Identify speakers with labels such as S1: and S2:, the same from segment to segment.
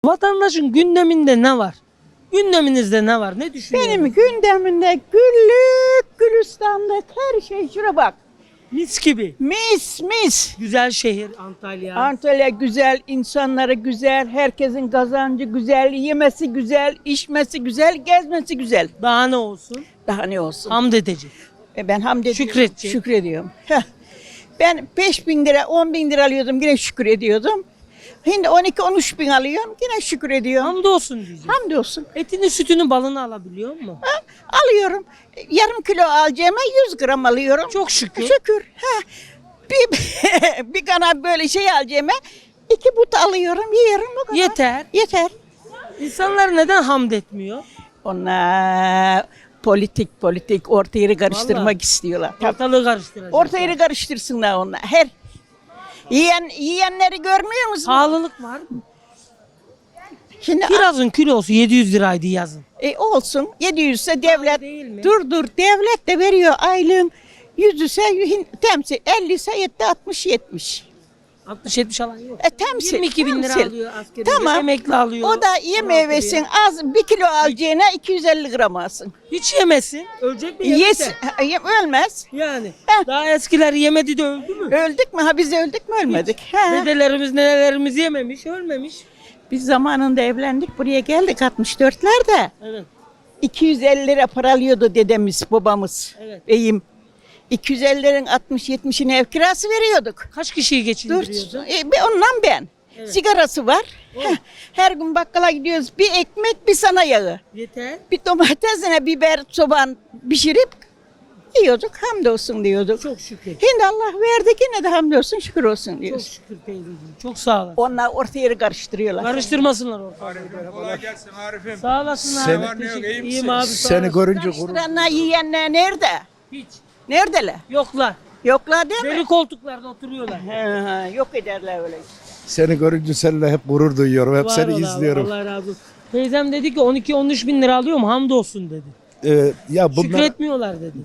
S1: Vatandaşın gündeminde ne var? Gündeminizde ne var? Ne düşünüyorsunuz?
S2: Benim gündemimde güllük gülistanlık her şey, şuna bak.
S1: Mis gibi.
S2: Mis mis.
S1: Güzel şehir Antalya.
S2: Antalya güzel, insanları güzel, herkesin kazancı güzel, yemesi güzel, içmesi güzel, gezmesi güzel.
S1: Daha ne olsun?
S2: Daha ne olsun?
S1: Hamd edecek.
S2: Ben hamd ediyorum.
S1: Şükredecek.
S2: Şükrediyorum. Heh. Ben 5.000 lira, 10.000 lira alıyordum, yine şükür ediyordum. Şimdi 12-13 bin alıyorum, yine şükür ediyorum.
S1: Hamdolsun diyeceğim.
S2: Hamdolsun.
S1: Etini, sütünü, balını alabiliyor mu?
S2: Ha, alıyorum. Yarım kilo alacağıma 100 gram alıyorum.
S1: Çok şükür.
S2: Şükür. Ha. Bir kanat böyle şey alacağıma 2 but alıyorum, yiyorum. Bu kadar.
S1: Yeter.
S2: Yeter.
S1: İnsanlar neden hamd etmiyor?
S2: Onlar politik orta yeri karıştırmak
S1: Vallahi.
S2: istiyorlar. Tabii.
S1: Ortalığı karıştıracak.
S2: Orta yeri karıştırsınlar onlar. Yiyenleri görmüyor musun?
S1: Pahalılık var mı?
S2: Şimdi
S1: Kirazın kilosu 700 liraydı yazın.
S2: olsun 700 ise devlet
S1: değil mi?
S2: dur devlet de veriyor aylığın 100 ise temsil 50 ise 60-70.
S1: 60-70 alan yok.
S2: Temsil.
S1: 22 bin lira
S2: temsil.
S1: alıyor askeri.
S2: Tamam.
S1: Emekli alıyor.
S2: O da ye versin az 1 kilo alacağına 250 gram alsın.
S1: Hiç yemesin. Ölecek mi? Yemese.
S2: Yes, ölmez.
S1: Yani.
S2: Heh.
S1: Daha eskiler yemedi de öldü mü?
S2: Öldük mü? Ha biz öldük mü? Ölmedik. Ha.
S1: Dedelerimiz, nenelerimiz yememiş, ölmemiş.
S2: Biz zamanında evlendik, buraya geldik 64'lerde.
S1: Evet.
S2: 250 lira para alıyordu dedemiz, babamız,
S1: Evet.
S2: beyim. 250 liranın 60-70'ini ev kirası veriyorduk.
S1: Kaç kişiyi
S2: Dur,
S1: geçindiriyordu?
S2: ondan ben.
S1: Evet.
S2: Sigarası var. Heh, her gün bakkala gidiyoruz. Bir ekmek, bir sana yağı.
S1: Yeter.
S2: Bir domatesine biber, soğan pişirip yiyorduk. Hamdolsun diyorduk.
S1: Çok şükür.
S2: Şimdi Allah verdi, yine de hamdolsun, şükür olsun
S1: Çok
S2: diyoruz.
S1: şükür teyzeciğim. Çok sağ olasın.
S2: Onlar orta yeri karıştırıyorlar.
S1: Karıştırmasınlar ortalığı.
S3: Kolay gelsin Arif'im.
S1: Sağ olasın abi.
S3: Seni- Var ne yok,
S1: Teşekkür-
S3: iyi
S1: İyiyim
S3: misin?
S1: abi. Sağ
S4: Seni
S1: olasın.
S4: görünce gurur.
S2: Karıştıranlar, yiyenler nerede?
S1: Hiç.
S2: Neredeler?
S1: Yoklar.
S2: Yoklar değil mi?
S1: Deli koltuklarda oturuyorlar.
S2: Yok ederler öyle.
S4: Seni görünce seninle hep gurur duyuyorum. Hep
S1: Var
S4: seni
S1: ol abi,
S4: izliyorum.
S1: Allah razı olsun. Teyzem dedi ki 12-13 bin lira alıyor mu? Hamdolsun dedi.
S4: Ya bunlar
S1: Şükretmiyorlar dedi.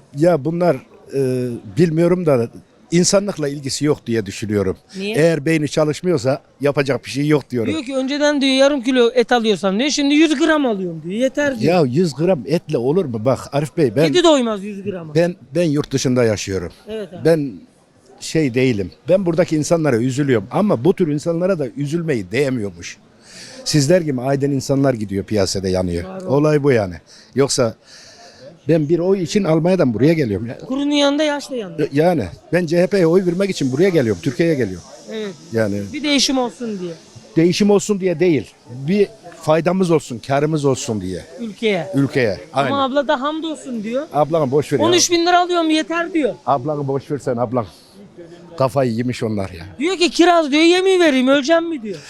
S4: bilmiyorum da insanlıkla ilgisi yok diye düşünüyorum.
S1: Niye?
S4: Eğer beyni çalışmıyorsa yapacak bir şey yok diyorum.
S1: Diyor ki önceden diyor yarım kilo et alıyorsam diyor şimdi 100 gram alıyorum diyor. Yeter diyor.
S4: Ya 100 gram etle olur mu? Bak Arif Bey
S1: Kedi doymaz 100 grama.
S4: ben yurt dışında yaşıyorum.
S1: Evet abi.
S4: Ben şey değilim. Ben buradaki insanlara üzülüyorum ama bu tür insanlara da üzülmeyi değmiyormuş. Sizler gibi aydın insanlar gidiyor piyasada yanıyor.
S1: Var o.
S4: Olay bu yani. Yoksa ben bir oy için Almanya'dan buraya geliyorum.
S1: Kurunun yanında yaş da yanında.
S4: Yani ben CHP'ye oy vermek için buraya geliyorum. Türkiye'ye geliyorum.
S1: Evet.
S4: Yani
S1: Bir değişim olsun diye
S4: değişim olsun diye değil. Bir faydamız olsun, karımız olsun diye
S1: ülkeye.
S4: ülkeye. Aynen.
S1: Ama abla da hamdolsun diyor.
S4: Ablanı boş ver ya.
S1: 13 bin lira alıyorum yeter diyor.
S4: Ablanı boş ver sen ablan. Kafayı yemiş onlar ya.
S1: Diyor ki kiraz diyor yemin vereyim öleceğim mi diyor.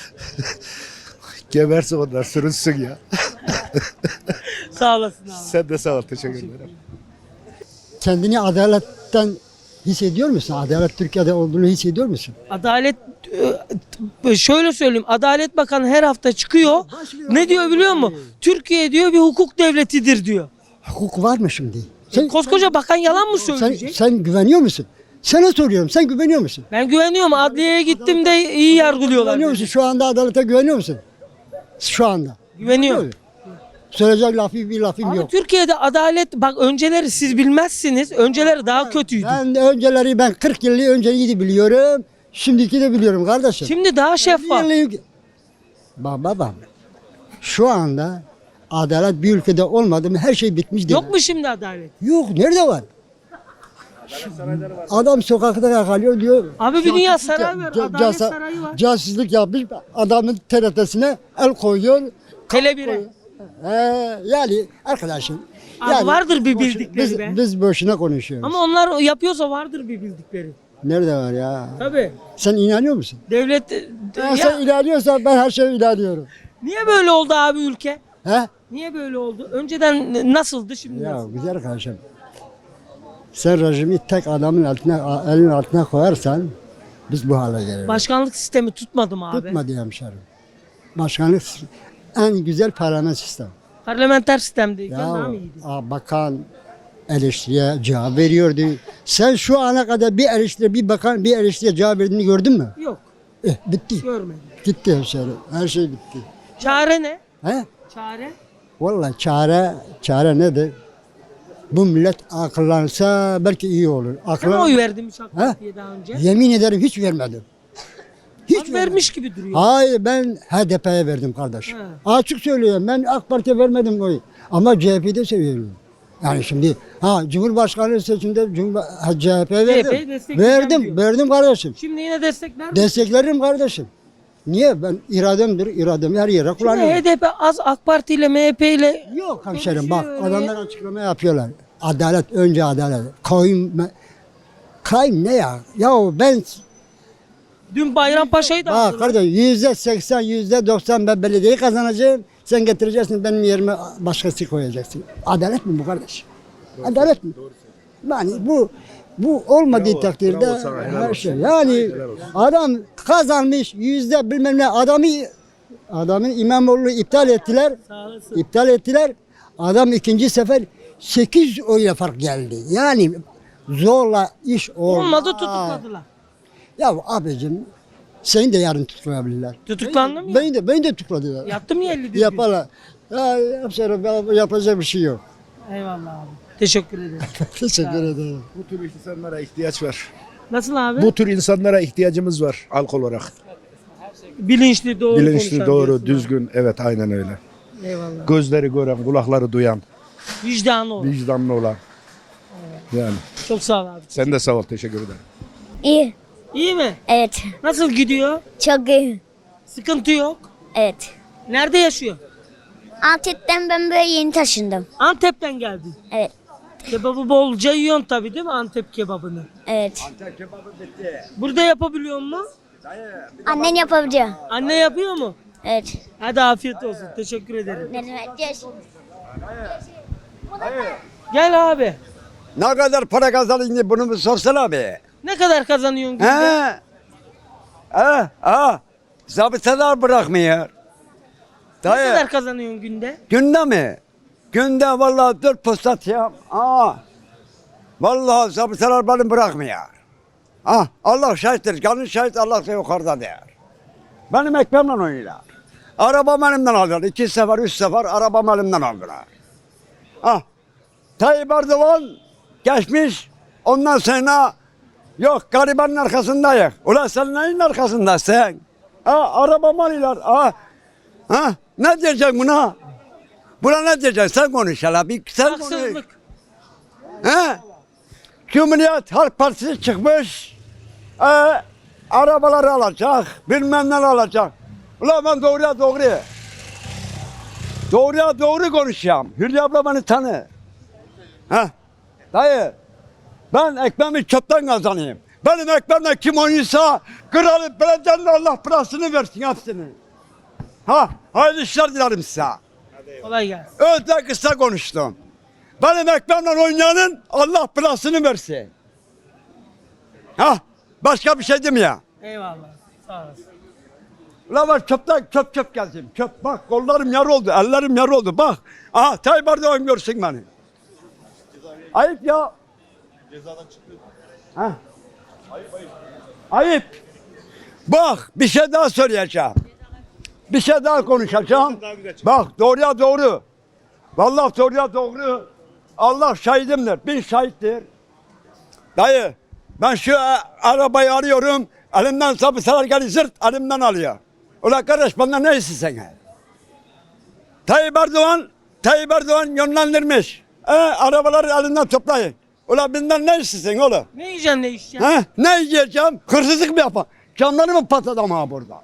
S4: Gebersin onlar sürünsün ya.
S1: Sağ olasın abi.
S4: Sen de sağ ol. Teşekkür ederim.
S5: Kendini adaletten hissediyor musun? Adalet Türkiye'de olduğunu hissediyor musun?
S1: Adalet şöyle söyleyeyim. Adalet Bakanı her hafta çıkıyor. Ne diyor biliyor musun? Türkiye diyor bir hukuk devletidir diyor.
S5: Hukuk var mı şimdi? Sen,
S1: Koskoca bakan yalan mı
S5: sen,
S1: söyleyecek?
S5: sen güveniyor musun? Sana soruyorum. Sen güveniyor musun?
S1: Ben güveniyorum. Adliyeye gittim de iyi yargılıyorlar.
S5: Güveniyor musun? Şu anda adalete güveniyor musun? Şu anda.
S1: Güveniyorum.
S5: Söyleyecek bir lafım
S1: Ama
S5: yok.
S1: Türkiye'de adalet bak önceleri siz bilmezsiniz. Önceleri daha kötüydü.
S5: Ben 40 yıl önceyi de biliyorum. Şimdiki de biliyorum kardeşim.
S1: Şimdi daha şeffaf.
S5: Baba. Şu anda adalet bir ülkede olmadı mı her şey bitmiş değil.
S1: Yok mu şimdi adalet?
S5: Yok. Nerede var? Adam sokakta kalıyor diyor.
S1: Abi bir dünya saray var.
S5: Ca-
S1: Adalet
S5: casa-
S1: sarayı var.
S5: Casusluk yapmış. Adamın TRT'sine el koyuyor.
S1: Tele 1'e.
S5: Yani arkadaşım.
S1: Abi vardır bir
S5: boş-
S1: bildikleri be.
S5: biz boşuna konuşuyoruz.
S1: Ama onlar yapıyorsa vardır bir bildikleri.
S5: Nerede var ya?
S1: Tabii.
S5: Sen inanıyor musun?
S1: Devlet
S5: Ya sen inanıyorsan ben her şeye inanıyorum.
S1: niye böyle oldu abi ülke?
S5: He?
S1: Niye böyle oldu? Önceden nasıldı şimdi
S5: Ya
S1: nasıl?
S5: güzel kardeşim. Sen rejimi tek adamın altına, elin altına koyarsan biz bu hale geliriz.
S1: Başkanlık sistemi tutmadı mı abi?
S5: Tutmadı hemşerim. Başkanlık en güzel parlamenter sistem.
S1: Parlamenter sistemdeyken daha
S5: Ya
S1: mı iyiydi?
S5: bakan eleştiriye cevap veriyordu. Sen şu ana kadar bir eleştiri, bir bakan bir eleştiriye cevap verdiğini gördün mü?
S1: Yok
S5: Bitti.
S1: görmedim.
S5: Gitti hemşerim. Her şey bitti.
S1: Çare ne?
S5: He?
S1: Çare?
S5: Vallahi çare nedir? Bu millet akıllansa belki iyi olur.
S1: Sen oy verdin hiç AK Parti'ye daha önce?
S5: Yemin ederim hiç vermedim.
S1: Hiç vermiş gibi duruyor.
S5: Hayır, ben HDP'ye verdim kardeş.
S1: He.
S5: Açık söylüyorum, ben AK Parti'ye vermedim oyu. Ama CHP'yi de seviyorum. Yani şimdi Cumhurbaşkanlığı seçimde CHP'ye
S1: CHP'yi
S5: verdim.
S1: destekleyeceğim diyor.
S5: Verdim kardeşim.
S1: Şimdi yine destekler mi?
S5: Desteklerim kardeşim. Niye? Ben irademi her yere
S1: Şimdi
S5: kullanıyorum.
S1: HDP az AK Parti ile MHP ile
S5: Yok hemşerim bak,
S1: konuşuyor
S5: adamlar açıklama yapıyorlar. Adalet, önce adalet. Kayın ne ya? Ya ben
S1: dün Bayrampaşa'yı da
S5: bak
S1: aldılar.
S5: kardeş, %80, %90 ben belediyeyi kazanacağım. Sen getireceksin, benim yerime başkası koyacaksın. Adalet mi bu kardeş? Adalet mi? Yani bu olmadığı takdirde her şey. Yani adam kazanmış bilmem ne, adamın İmamoğlu'nu iptal ettiler.
S1: Sağ olasın.
S5: İptal ettiler. Adam ikinci sefer 8 oyla fark geldi. Yani zorla iş olmaz.
S1: Olmadı tutukladılar.
S5: Ya abicim, seni de yarın tutuklayabilirler.
S1: Tutuklandın mı?
S5: Beni de tutukladılar.
S1: Yattı mı 50 gün?
S5: Yaparlar. Ya, yapacak bir şey yok.
S1: Eyvallah abi. Teşekkür ederim.
S5: Teşekkür ederim.
S4: Bu tür insanlara ihtiyaç var.
S1: Nasıl abi?
S4: Bu tür insanlara ihtiyacımız var halk olarak.
S1: Bilinçli, doğru
S4: Bilinçli,
S1: konuşan
S4: doğru,
S1: diyorsun
S4: düzgün. Evet, aynen öyle.
S1: abi. Eyvallah.
S4: Gözleri gören, kulakları duyan,
S1: Vicdanı ol.
S4: vicdanlı olan. Yani
S1: Çok sağ ol abi.
S4: sen de sağ ol, teşekkür ederim.
S3: İyi.
S1: İyi mi?
S3: Evet.
S1: Nasıl gidiyor?
S3: Çok iyi.
S1: Sıkıntı yok.
S3: Evet.
S1: Nerede yaşıyor?
S3: Antep'ten ben böyle yeni taşındım.
S1: Antep'ten geldin.
S3: Evet.
S1: Kebabı bolca yiyorsun tabii değil mi Antep kebabını?
S3: Evet.
S1: Burada yapabiliyor mu?
S3: Annen yapabiliyor.
S1: Anne yapıyor mu?
S3: Evet.
S1: Hadi afiyet olsun. Teşekkür ederim.
S3: Ne demek?
S1: Gel abi.
S6: Ne kadar para kazandın bunu bir sorsana abi.
S1: Ne kadar kazanıyorsun günde?
S6: Zabıtalar bırakmıyor.
S1: Ne
S6: Dayı,
S1: kadar kazanıyorsun günde?
S6: günde mi? Günde vallahi 4 posta atayım. Vallahi zabıtalar beni bırakmıyor. Allah şahittir. Canın şahit, Allah da yukarıda der. Benim ekmeğimle oynuyorlar. Arabam elimden aldılar. 2 sefer, 3 sefer arabam elimden aldılar. Tayyip Erdoğan geçmiş. Ondan sonra yok, garibanın arkasındayız. Ulan sen neyin arkasındasın? Arabamı alıyorlar. Ne diyeceksin buna? Buna ne diyeceksin? Sen konuş hele. Sen konuş.
S1: Haksızlık.
S6: Cumhuriyet Halk Partisi çıkmış. Arabaları alacak. Bilmem ne alacak. Ulan ben doğruya doğru. Doğruya doğru konuşacağım. Hülya abla beni tanı. Dayı, ben ekmeğimi çöpten kazanayım. Benim ekmeğimle kim oynuyorsa kralı belediyenin Allah parasını versin hepsini. Hayırlı işler dilerim size.
S1: Kolay gelsin.
S6: Öyle kısa konuştum. Benim ekmeğimle oynayanın Allah parasını versin. Başka bir şey demiyor.
S1: Eyvallah. Sağ olasın.
S6: Ulan ben çöpten çöp gezdim. Çöp bak, kollarım yar oldu, ellerim yar oldu bak. Tayyip Erdoğan görsün beni. Ayıp ya. Cezadan çıktı. Ayıp. Bak bir şey daha söyleyeceğim. Bir şey daha konuşacağım. Bak doğruya doğru. Vallahi doğruya doğru. Allah şahidimdir. Bin şahittir. Dayı ben şu arabayı arıyorum. Elimden sapısalar gelip zırt elimden alıyor. Ulan kardeş benden ne istiyorsun sen? Tayyip Erdoğan yönlendirmiş. Arabaları elinden toplayın. Ulan benden ne istiyorsun oğlum?
S1: Ne yiyeceksin ne içeceksin?
S6: Ne yiyeceğim? Hırsızlık mı yapar? Canları mı patladı ama burada?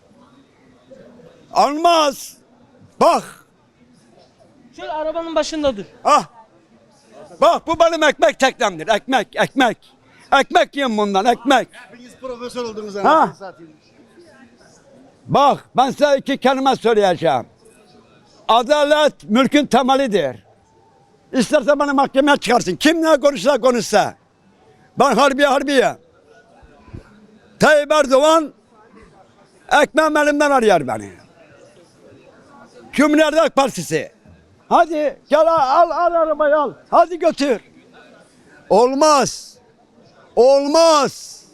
S6: Almaz. Bak.
S1: Şöyle arabanın başında dur.
S6: Bak bu benim ekmek teknemdir. Ekmek. Ekmek yiyin bundan, ekmek.
S7: Hepiniz profesör oldunuz
S6: Ha?
S7: anasını satayım.
S6: Bak ben size 2 kelime söyleyeceğim. Adalet mülkün temelidir. İsterse beni mahkemeye çıkarsın. Kim ne konuşsa. Ben harbiye. Tayyip Erdoğan ekmeğim elimden arıyor beni. Cumhuriyet Halk Partisi. Hadi gel al arabayı al. Hadi götür. Olmaz.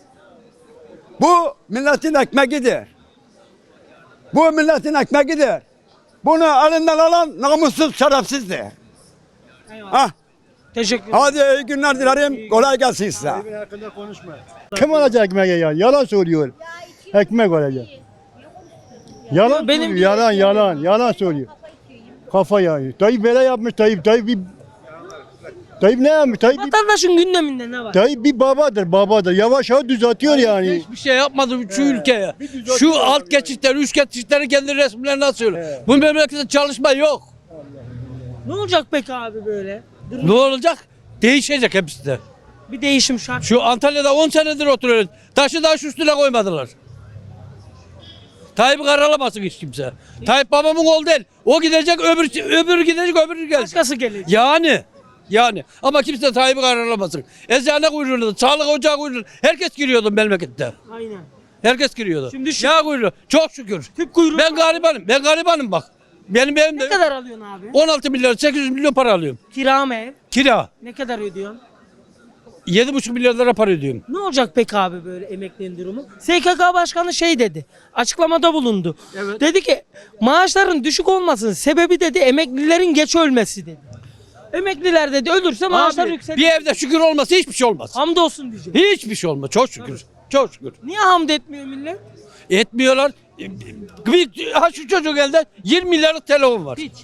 S6: Bu milletin ekmeğidir. Bu milletin ekmeğidir. Bunu elinden alan namussuz şerefsizdir. Ha,
S1: Teşekkür ederim.
S6: hadi iyi günler dilerim. Kolay gelsin size.
S7: Kim alacak ekmeği ya? Yalan söylüyor. Ekmek alacak. Yalan
S1: Benim-
S7: söylüyor, yalan söylüyor. Kafa yani. Tayyip böyle yapmış, Tayyip ne yapmış?
S1: Vatandaşın gündeminde ne var?
S7: Tayyip bir babadır. Yavaş yavaş düzeltiyor yani.
S8: Hiçbir şey yapmadı şu ülkeye. Şu alt geçitleri, üst geçitleri kendi resimlerine asıyor. Bu memlekette çalışma yok.
S1: Ne olacak peki abi böyle?
S8: Ne olacak? Değişecek hepsi de.
S1: Bir değişim şart.
S8: Şu Antalya'da 10 senedir oturuyoruz. Taşı taş üstüne koymadılar. Tayyip'i karalamasın hiç kimse. Tayyip babamın oğlu değil. O gidecek, öbürü gidecek, öbürü gelecek.
S1: Başkası gelecek.
S8: Yani. Ama kimse Tayyip'i karalamasın. Eczane kuyruğunda, sağlık ocağı kuyruğunda. Herkes giriyordu memlekette.
S1: Aynen.
S8: Herkes giriyordu.
S1: Şimdi şu-
S8: Yağ kuyruğu. Çok şükür.
S1: Tüp kuyruğu.
S8: Ben garibanım bak. Benim
S1: Ne
S8: evimde
S1: kadar alıyorsun abi?
S8: 16 milyon, 800 milyon para alıyorum.
S1: Kira mı ev?
S8: Kira.
S1: Ne kadar ödüyorsun?
S8: 7,5 milyar lira para ödüyorum.
S1: Ne olacak peki abi böyle emeklinin durumu? SKK Başkanı şey dedi. Açıklamada bulundu.
S8: Evet.
S1: Dedi ki maaşların düşük olmasının sebebi dedi emeklilerin geç ölmesi dedi. Emekliler dedi ölürse maaşlar
S8: Abi,
S1: yükselir.
S8: bir evde şükür olmasa hiçbir şey olmaz.
S1: Hamdolsun diyecek.
S8: Hiçbir şey olmaz. Çok şükür. Çok şükür.
S1: Niye hamd etmiyor millet?
S8: Etmiyorlar. Şu çocuk elde 20 milyarlık telefon var.
S1: Hiç.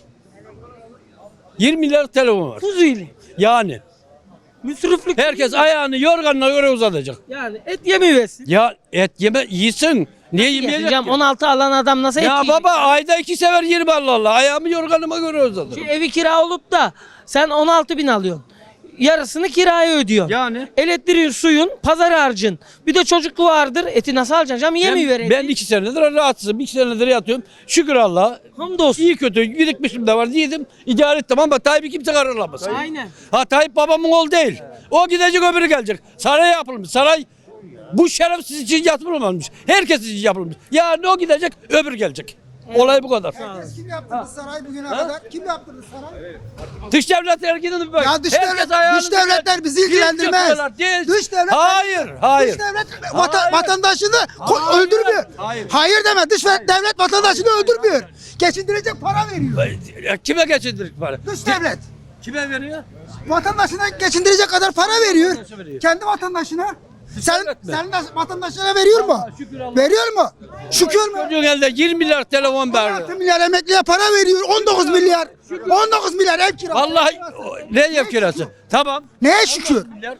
S8: 20 milyarlık telefon var.
S1: Fuzuli.
S8: Yani.
S1: Müsriflik.
S8: Herkes ayağını yorganına göre uzatacak.
S1: Yani et yemiyorsun.
S8: Ya et yeme yiyin. Niye yemeyecek
S1: Yiyeceğim
S8: ki?
S1: 16 alan adam nasıl et
S8: Ya
S1: yiyecek?
S8: baba ayda 2 sefer 20 Allah. Ayağımı yorganıma göre uzatırım.
S1: Şu evi kira olup da sen 16 bin alıyorsun. Yarısını kiraya ödüyorsun.
S8: Yani.
S1: Elektriğin, suyun, pazar harcın. Bir de çocuk vardır. Eti nasıl alacaksın canım? Yemiyor eti.
S8: Ben 2 senedir rahatsızım. 2 senedir yatıyorum. Şükür Allah'a.
S1: Hamdolsun.
S8: İyi kötü birikmişim de var. Yedim, idare ettim ama Tayyip'i kimse kararlamaz.
S1: Aynen.
S8: Ha Tayyip babamın oğlu değil. O gidecek öbürü gelecek. Saray yapılmış. Saray bu şerefsiz için yapılmamış. Herkes için yapılmış. Yani o gidecek öbürü gelecek. Olay bu kadar.
S9: Kim yaptırdı saray bugüne kadar? Kim yaptırdı saray?
S8: Dış devletler gidin böyle.
S9: Ya dış
S8: Herkes ayağını
S9: devletler bizi ilgilendirmez.
S8: çekiyorlar, değil.
S9: Dış devlet
S8: Hayır.
S9: Dış devlet vatandaşını öldürmüyor. Hayır deme. Dış devlet vatandaşını öldürmüyor. Geçindirecek para veriyor.
S8: Kime geçindirik para?
S9: Dış devlet
S8: Kime veriyor?
S9: vatandaşına geçindirecek kadar para veriyor.
S8: Nasıl veriyor?
S9: Kendi vatandaşına.
S8: devlet mi?
S9: Sen de vatandaşına veriyor mu?
S8: şükür Allah.
S9: Veriyor mu? Şükür mü?
S8: Çocuğun elde 20 milyar telefon
S9: 16
S8: verdi.
S9: milyar emekliye para veriyor. 19 milyar. 19 milyar ev kirası.
S8: Vallahi ne ev kirası? Tamam.
S9: Neye şükür?
S8: Milyar.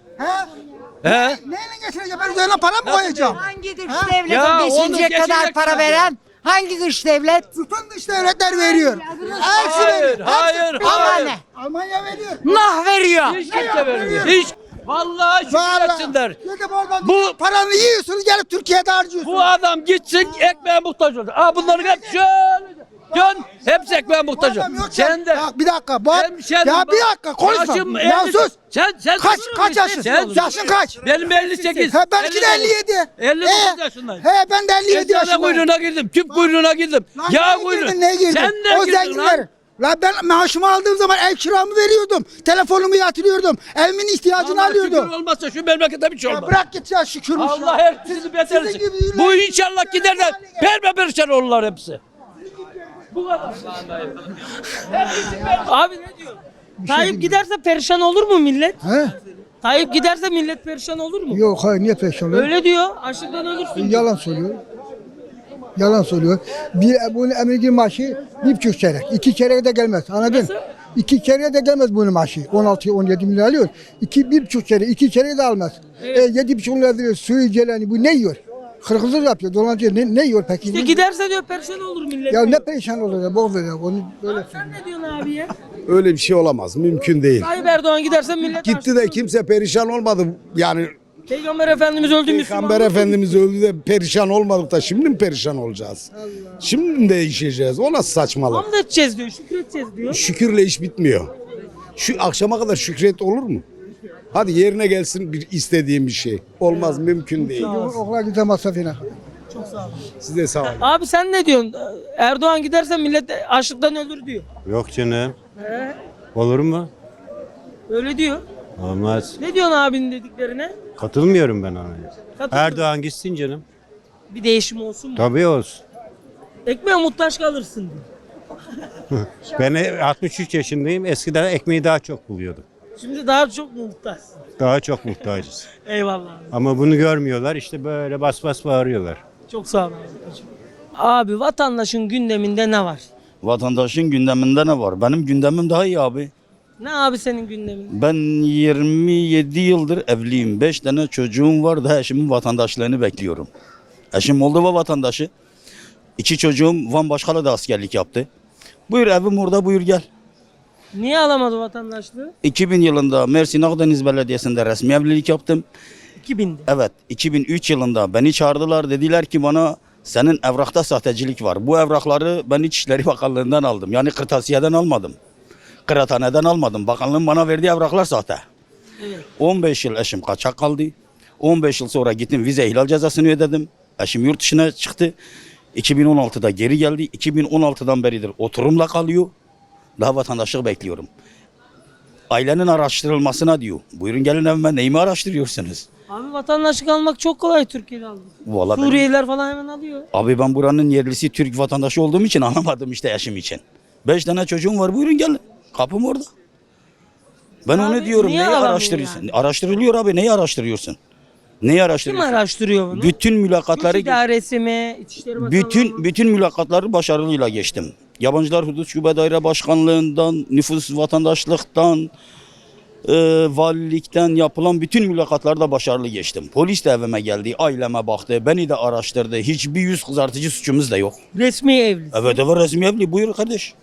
S9: He?
S8: He?
S9: Neyle geçineceğim? Ben üzerine para mı koyacağım?
S10: Hangi dış
S8: Ya,
S10: devletin
S8: onu
S10: geçinecek kadar
S8: geçinecek
S10: para
S8: kadar.
S10: veren? Hangi dış devlet?
S9: Bütün dış devletler veriyor. Hepsi
S8: Hayır,
S9: veriyor.
S8: hayır,
S10: Ama
S8: hayır.
S10: ne?
S9: Almanya veriyor.
S10: Nah veriyor.
S8: Hiç kimse vermiyor. Hiç. Vallahi şükür etsinler.
S9: Gidip oradan
S8: Bu-
S9: paranı yiyorsunuz gelip Türkiye'de harcıyorsunuz.
S8: Bu adam gitsin ekmeğe muhtaç olacak. Aa bunların hep şöyle. Dön. Hepsi ekmeğe muhtaç
S9: Bu adam
S8: olacak.
S9: yok
S8: Sen de.
S9: ya. Bak bir dakika. Bu,
S8: Sen
S9: ya bir dakika konuşma.
S8: Yaşım
S9: Ya
S8: 50
S9: sus.
S8: Sen
S9: Kaç yaşın? Yaşın kaç?
S8: Benim 58.
S9: He benimki de 57.
S8: 59 yaşındayım.
S9: He ben de 57
S8: Eczane
S9: yaşındayım.
S8: kuyruğuna girdim. Tüp kuyruğuna girdim.
S9: Lan
S8: Yağ
S9: neye
S8: kuyruğuna.
S9: girdin, neye girdin?
S8: Sen ne
S9: O
S8: girdin
S9: zenginler.
S8: lan?
S9: La ben maaşımı aldığım zaman ev kiramı veriyordum. Telefonumu yatırıyordum. Evimin ihtiyacını
S8: Allah şükür
S9: alıyordum.
S8: olmazsa şu memlekette bir şey
S9: Ya
S8: olmaz.
S9: bırak git ya şükürmüş
S8: Allah
S9: ya.
S8: herkesi beter
S9: sizin
S8: etsin.
S9: gibi
S8: Bu inşallah gider de perişan olurlar hepsi. Bu kadar.
S1: Abi ne diyor? Tayyip giderse perişan olur mu millet?
S5: He?
S1: Tayyip giderse millet perişan olur mu?
S5: Yok hayır niye peşin oluyor?
S1: Öyle diyor. Açlıktan ölürsün. diyor.
S5: Yalan söylüyor. Yalan söylüyor. Bunun emekli maaşı 1,5 çeyrek. 2 çeyrek de gelmez. Anladın? 2 çeyrek de gelmez bunun maaşı. 16-17 milyar alıyor. 1,5 çeyrek. 2 çeyrek de almaz. 7,5 milyar veriyor. Suyu celani bu ne yiyor? Hırkızlık yapıyor. Dolandırıyor. Ne yiyor peki?
S1: İşte giderse diyor perişan olur millet.
S5: Ya
S1: diyor.
S5: ne perişan olur ya. Boğaz ya. Onu böyle
S1: Sen ne diyorsun abi ya?
S4: Öyle bir şey olamaz. Mümkün değil.
S1: Tayyip Erdoğan giderse millet
S4: Gitti
S1: açlıktan
S4: de
S1: ölür.
S4: kimse perişan olmadı. Yani
S1: Peygamber Efendimiz öldü Müslüman.
S4: Peygamber Efendimiz öldü de perişan olmadık da şimdi mi perişan olacağız? Şimdi mi değişeceğiz? O nasıl saçmalık?
S1: Hamd edeceğiz diyor. Şükredeceğiz diyor.
S4: Şükürle iş bitmiyor. Şu akşama kadar şükret olur mu? Hadi yerine gelsin bir istediğim bir şey. Olmaz, mümkün değil.
S5: okula gideceğim masrafına.
S4: Siz de sağ olun.
S1: Abi sen ne diyorsun? Erdoğan giderse millet açlıktan ölür diyor.
S11: Yok canım. Olur mu?
S1: Öyle diyor.
S11: Olmaz.
S1: Ne diyorsun abinin dediklerine?
S11: Katılmıyorum ben ona.
S1: Katıldım.
S11: Erdoğan gitsin canım.
S1: Bir değişim olsun mu?
S11: Tabii olsun.
S1: Ekmeğe muhtaç kalırsın diyor.
S11: Ben 63 yaşındayım. Eskiden ekmeği daha çok buluyordum.
S1: Şimdi daha çok muhtaç.
S11: Daha çok muhtacız.
S1: Eyvallah abi.
S11: Ama bunu görmüyorlar. İşte böyle bas bas bağırıyorlar.
S1: Çok sağ ol abi. Abi vatandaşın gündeminde ne var?
S6: Vatandaşın gündeminde ne var? Benim gündemim daha iyi abi.
S1: Ne abi senin gündeminde?
S6: Ben 27 yıldır evliyim. 5 tane çocuğum var da eşimin vatandaşlığını bekliyorum. Eşim Moldova vatandaşı. 2 çocuğum Van Başkalı'da askerlik yaptı. Buyur evim orada, buyur gel.
S1: Niye alamadı vatandaşlığı?
S6: 2000 yılında Mersin Akdeniz Belediyesi'nde resmi evlilik yaptım.
S1: 2000'de.
S6: Evet, 2003 yılında beni çağırdılar. Dediler ki bana senin evrakta sahtecilik var. Bu evrakları ben İçişleri Bakanlığı'ndan aldım. Yani kırtasiyeden almadım. Kıraathaneden almadım. Bakanlığın bana verdiği evraklar sahte.
S1: Evet.
S6: 15 yıl eşim kaçak kaldı. 15 yıl sonra gittim vize ihlal cezasını ödedim. Eşim yurt dışına çıktı. 2016'da geri geldi. 2016'dan beridir oturumla kalıyor. Daha vatandaşlık bekliyorum. Ailenin araştırılmasına diyor. Buyurun gelin evime, neyimi araştırıyorsunuz?
S1: Abi vatandaşlık almak çok kolay Türkiye'de almak.
S6: Vallahi
S1: Suriyeliler falan hemen alıyor.
S6: Abi ben buranın yerlisi Türk vatandaşı olduğum için alamadım işte eşim için. 5 tane çocuğum var, buyurun gelin. Kapım orada. Ben
S1: Abi,
S6: onu diyorum,
S1: niye
S6: neyi
S1: alamıyor
S6: araştırıyorsun?
S1: yani?
S6: Araştırılıyor abi, neyi araştırıyorsun? Neyi
S1: Kim
S6: araştırıyorsun?
S1: araştırıyor bunu?
S6: Bütün mülakatları
S1: Güç idaresi mi? İçişleri Bakanlığı mı?
S6: bütün mülakatları başarılıyla geçtim. Yabancılar Hudut Şube Daire Başkanlığından, nüfus vatandaşlıktan, valilikten yapılan bütün mülakatlarda başarılı geçtim. Polis de evime geldi, aileme baktı, beni de araştırdı. Hiçbir yüz kızartıcı suçumuz da yok.
S1: Resmi evli.
S6: Evet resmi evli, buyur kardeş.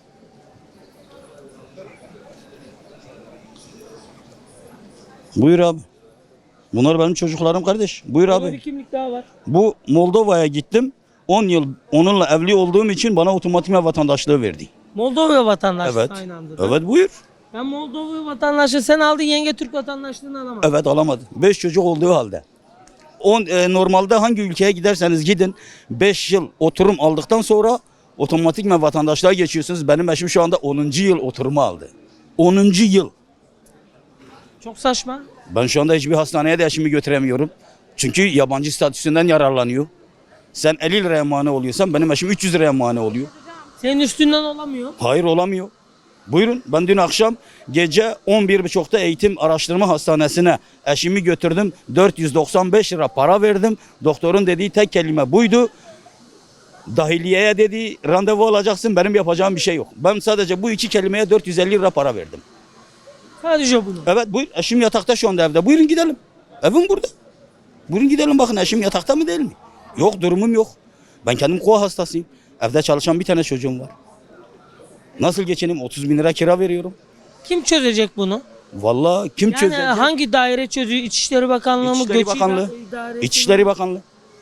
S6: Buyur abi. Bunlar benim çocuklarım kardeş. Buyur
S1: Burada
S6: abi.
S1: bir kimlik daha var.
S6: Bu Moldova'ya gittim. 10 yıl onunla evli olduğum için bana otomatik vatandaşlığı verdi.
S1: Moldova vatandaşlığı
S6: Evet.
S1: aynı anda.
S6: Evet buyur.
S1: Ben Moldova vatandaşlığı, sen aldın, yenge Türk vatandaşlığını alamadın.
S6: Evet alamadı. 5 çocuk olduğu halde. Normalde hangi ülkeye giderseniz gidin 5 yıl oturum aldıktan sonra otomatik vatandaşlığa geçiyorsunuz. Benim eşim şu anda 10. yıl oturumu aldı. 10. yıl.
S1: Çok saçma.
S6: Ben şu anda hiçbir hastaneye de eşimi götüremiyorum. Çünkü yabancı statüsünden yararlanıyor. Sen 50 liraya mani oluyorsan benim eşim 300 liraya mani oluyor.
S1: Senin üstünden olamıyor.
S6: Hayır olamıyor. Buyurun, ben dün akşam gece 11.30'da eğitim araştırma hastanesine eşimi götürdüm. 495 lira para verdim. Doktorun dediği tek kelime buydu. Dahiliyeye dedi randevu alacaksın, benim yapacağım bir şey yok. Ben sadece bu 2 kelimeye 450 lira para verdim.
S1: Sadece bunu.
S6: Evet buyur, eşim yatakta şu anda evde. Buyurun gidelim. Evim burada. Buyurun gidelim, bakın eşim yatakta mı değil mi? Yok, durumum yok. Ben kendim koa hastasıyım. Evde çalışan bir tane çocuğum var. Nasıl geçineyim? 30 bin lira kira veriyorum.
S1: Kim çözecek bunu?
S6: Vallahi kim
S1: Yani
S6: çözecek?
S1: hangi daire çözüyor? İçişleri Bakanlığı mı?
S6: İçişleri
S1: Göç
S6: Bakanlığı.
S1: İdaresi mi?
S6: İçişleri Bakanlığı.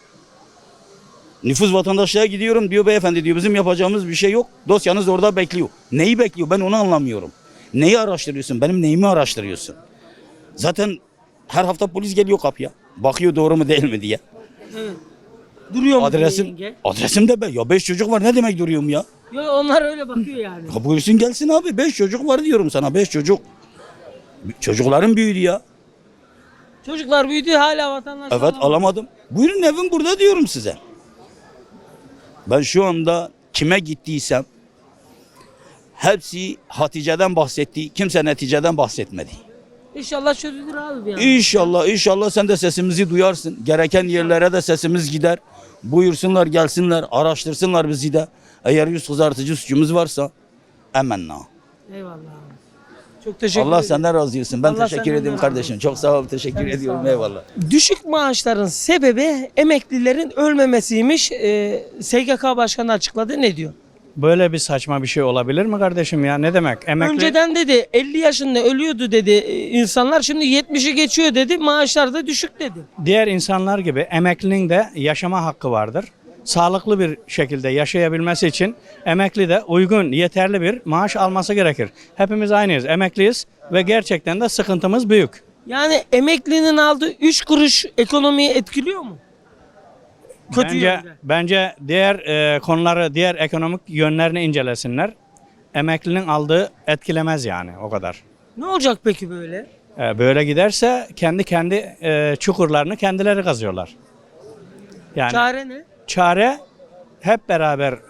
S6: Nüfus vatandaşlığa gidiyorum diyor, beyefendi diyor bizim yapacağımız bir şey yok. Dosyanız orada bekliyor. Neyi bekliyor? Ben onu anlamıyorum. Neyi araştırıyorsun? Benim neyimi araştırıyorsun? Zaten her hafta polis geliyor kapıya. Bakıyor doğru mu değil mi diye.
S1: Evet. Duruyor mu
S6: Adresim,
S1: yenge?
S6: adresim de ben. Ya 5 çocuk var, ne demek duruyorum ya?
S1: Yok, onlar öyle bakıyor yani.
S6: Ya buyursun gelsin abi, 5 çocuk var diyorum sana, 5 çocuk. Çocukların büyüdü ya.
S1: Çocuklar büyüdü, hala vatandaşlık
S6: Evet alamadım. Buyurun evim burada diyorum size. Ben şu anda kime gittiysem hepsi Hatice'den bahsetti. Kimse neticeden bahsetmedi.
S1: İnşallah çözülür abi bir an.
S6: İnşallah sen de sesimizi duyarsın. Gereken yerlere de sesimiz gider. Buyursunlar gelsinler, araştırsınlar bizi de. Eğer yüz kızartıcı suçumuz varsa emenna.
S1: Eyvallah abi. Çok teşekkür
S6: Allah
S1: ederim.
S6: senden razı olsun. Ben
S1: Allah
S6: teşekkür
S1: senden
S6: ederim
S1: razı
S6: kardeşim.
S1: olsun.
S6: Çok sağ ol. Teşekkür
S1: Sen de
S6: ediyorum.
S1: sağ ol.
S6: Eyvallah.
S1: Düşük maaşların sebebi emeklilerin ölmemesiymiş. SGK Başkanı açıkladı. Ne diyor?
S12: Böyle bir saçma bir şey olabilir mi kardeşim ya? Ne demek? Emekli
S1: Önceden dedi 50 yaşında ölüyordu dedi insanlar. Şimdi 70'i geçiyor dedi. Maaşlar da düşük dedi.
S12: diğer insanlar gibi emeklinin de yaşama hakkı vardır. Sağlıklı bir şekilde yaşayabilmesi için emekli de uygun, yeterli bir maaş alması gerekir. Hepimiz aynıyız, emekliyiz ve gerçekten de sıkıntımız büyük.
S1: Yani emeklinin aldığı 3 kuruş ekonomiyi etkiliyor mu? Kötü yönde.
S12: Bence diğer konuları, diğer ekonomik yönlerini incelesinler. Emeklinin aldığı etkilemez yani o kadar.
S1: Ne olacak peki böyle?
S12: Böyle giderse kendi çukurlarını kendileri kazıyorlar. Yani
S1: Çare ne?
S12: çare hep beraber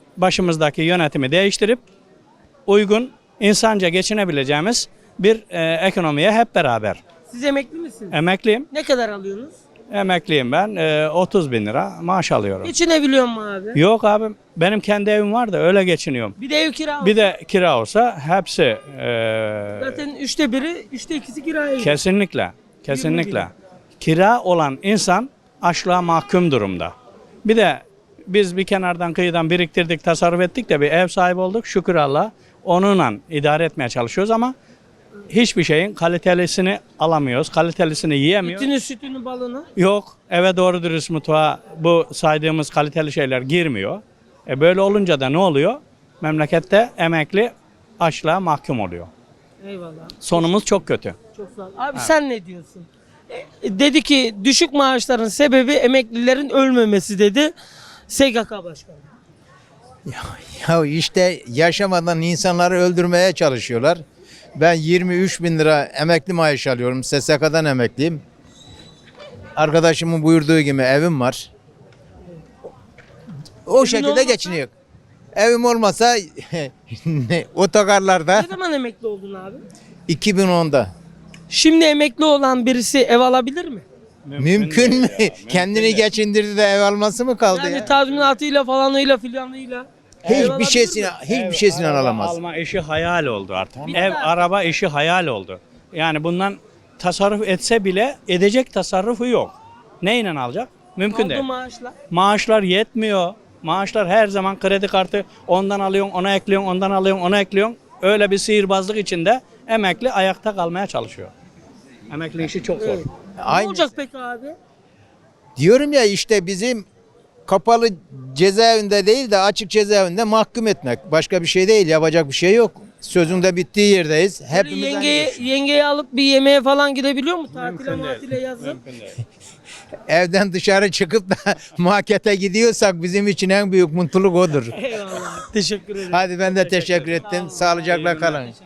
S12: başımızdaki yönetimi değiştirip uygun, insanca geçinebileceğimiz bir ekonomiye hep beraber.
S1: Siz emekli misiniz?
S12: Emekliyim.
S1: Ne kadar alıyorsunuz?
S12: Emekliyim ben. 30 bin lira maaş alıyorum.
S1: Geçinebiliyor mu abi?
S12: Yok abi, benim kendi evim var da öyle geçiniyorum.
S1: Bir de ev kira
S12: Bir de kira olsa hepsi
S1: zaten 1/3, 2'si kiraya.
S12: kesinlikle, kesinlikle. Kira olan insan açlığa mahkum durumda. Bir de biz bir kenardan kıyıdan biriktirdik, tasarruf ettik de bir ev sahibi olduk. Şükür Allah'a onunla idare etmeye çalışıyoruz ama hiçbir şeyin kalitelisini alamıyoruz. Kalitelisini yiyemiyoruz.
S1: Etini, sütünü, balını.
S12: Yok, eve doğru dürüst mutfağa bu saydığımız kaliteli şeyler girmiyor. Böyle olunca da ne oluyor? Memlekette emekli açlığa mahkum oluyor.
S1: Eyvallah.
S12: Sonumuz çok kötü.
S1: Çok sağ ol. Abi sen ne diyorsun? Dedi ki düşük maaşların sebebi emeklilerin ölmemesi dedi. SGK Başkanı.
S13: Ya işte yaşamadan insanları öldürmeye çalışıyorlar. Ben 23 bin lira emekli maaş alıyorum. SSK'dan emekliyim. Arkadaşımın buyurduğu gibi evim var. O şekilde
S1: olmasa?
S13: geçiniyor. Evim olmasa otogarlarda
S1: Ne zaman emekli oldun abi?
S13: 2010'da.
S1: Şimdi emekli olan birisi ev alabilir mi?
S13: Mümkün mü? Kendini geçindirdi de ev alması mı kaldı
S1: Yani
S13: ya?
S1: tazminatıyla falanıyla filanıyla.
S13: Hiçbir şeysini alamaz.
S12: Alma işi hayal oldu artık. Ev, araba işi hayal oldu. Yani bundan tasarruf etse bile edecek tasarrufu yok. Neyle alacak? Mümkün
S1: Aldığı
S12: değil.
S1: maaşla.
S12: Maaşlar yetmiyor. Maaşlar her zaman kredi kartı ondan alıyorsun, ona ekliyorsun, ondan alıyorsun, ona ekliyorsun. Öyle bir sihirbazlık içinde emekli ayakta kalmaya çalışıyor. Emekli işi çok zor.
S1: Ne
S13: Aynı.
S1: olacak peki abi?
S13: Diyorum ya işte bizim kapalı cezaevinde değil de açık cezaevinde mahkum etmek. Başka bir şey değil, yapacak bir şey yok. Sözün de bittiği yerdeyiz.
S1: Böyle
S13: Hepimiz aynı
S1: yengeyi alıp bir yemeğe falan gidebiliyor mu? Tatile matile yazın.
S13: evden dışarı çıkıp da markete gidiyorsak bizim için en büyük mutluluk odur.
S1: Eyvallah. Teşekkür ederim.
S13: Hadi ben de teşekkür ettim. Sağlıcakla kalın.